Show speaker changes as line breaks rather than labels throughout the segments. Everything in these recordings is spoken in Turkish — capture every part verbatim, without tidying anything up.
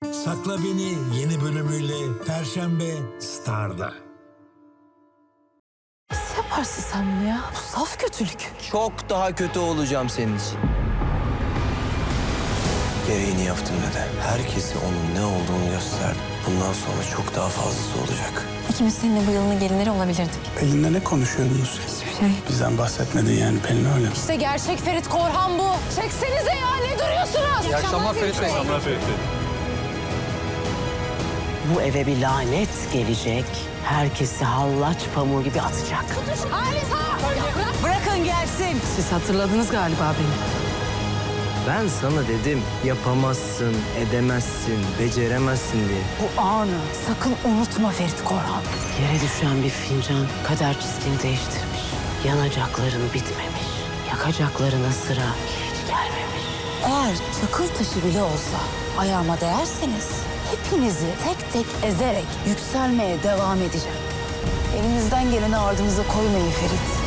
Sakla Beni yeni bölümüyle Perşembe Star'da.
Nasıl yaparsın sen bunu ya? Bu saf kötülük.
Çok daha kötü olacağım senin için. Gereğini yaptım dede. Herkese onun ne olduğunu gösterdim. Bundan sonra çok daha fazlası olacak.
İkimiz seninle bu yılın gelinleri olabilirdik.
Pelin'le ne konuşuyordunuz?
Hiçbir şey.
Bizden bahsetmedin yani Pelin öyle mi?
İşte gerçek Ferit Korhan bu. Çeksenize ya, ne duruyorsunuz?
İyi akşamlar Ferit Bey.
Bu eve bir lanet gelecek. Herkesi hallaç pamuğu gibi atacak.
Bırakın gelsin. Siz hatırladınız galiba beni.
Ben sana dedim yapamazsın, edemezsin, beceremezsin diye.
Bu anı sakın unutma Ferit Korhan.
Yere düşen bir fincan kader çizgini değiştirmiş. Yanacakların bitmemiş. Yakacaklarına sıra hiç gelmemiş.
Eğer çakıl taşı bile olsa ayağıma değerseniz hepinizi tek tek ezerek yükselmeye devam edeceğim. Elinizden geleni ardınıza koymayın Ferit.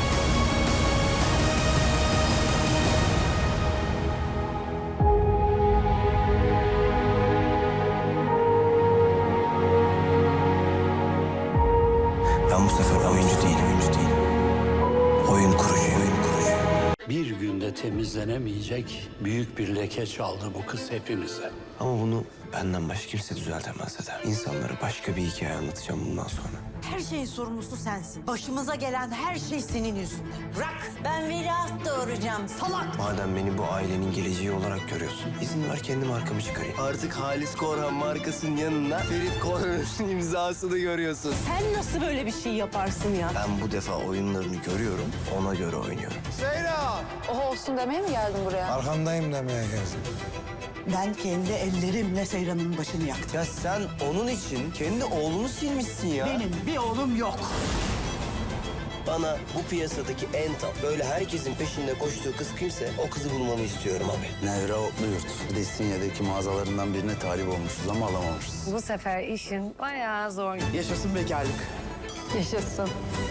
Ben bu sefer oyuncu değilim, oyuncu değilim. Oyun kurucuyum, oyun kurucuyum.
Bir günde temizlenemeyecek büyük bir leke çaldı bu kız hepimize.
Ama bunu benden başka kimse düzeltemez dede. İnsanlara başka bir hikaye anlatacağım bundan sonra.
Her şeyin sorumlusu sensin. Başımıza gelen her şey senin yüzünden. Bırak. Ben veliaht doğuracağım. Salak.
Madem beni bu ailenin geleceği olarak görüyorsun, izin ver kendim arkamı çıkarayım. Artık Halis Korhan markasının yanında Ferit Korhan'ın imzasını görüyorsun.
Sen nasıl böyle bir şey yaparsın ya?
Ben bu defa oyunlarını görüyorum, ona göre oynuyorum.
O olsun demeye mi geldin buraya?
Arkandayım demeye geldim.
Ben kendi ellerimle Seyran'ın başını yaktım.
Ya sen onun için kendi oğlunu silmişsin ya.
Benim bir oğlum yok.
Bana bu piyasadaki en tap, böyle herkesin peşinde koştuğu kız kimse o kızı bulmamı istiyorum abi.
Nevra Otluyurt. Destinya'daki mağazalarından birine talip olmuşuz ama alamamışız.
Bu sefer işin bayağı zor.
Yaşasın bekarlık.
Yaşasın.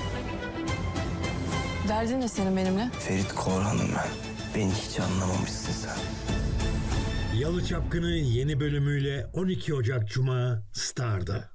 Derdin ne senin benimle?
Ferit Korhan'ım ben. Beni hiç anlamamışsın sen.
Yalı Çapkını yeni bölümüyle on iki Ocak Cuma Star'da.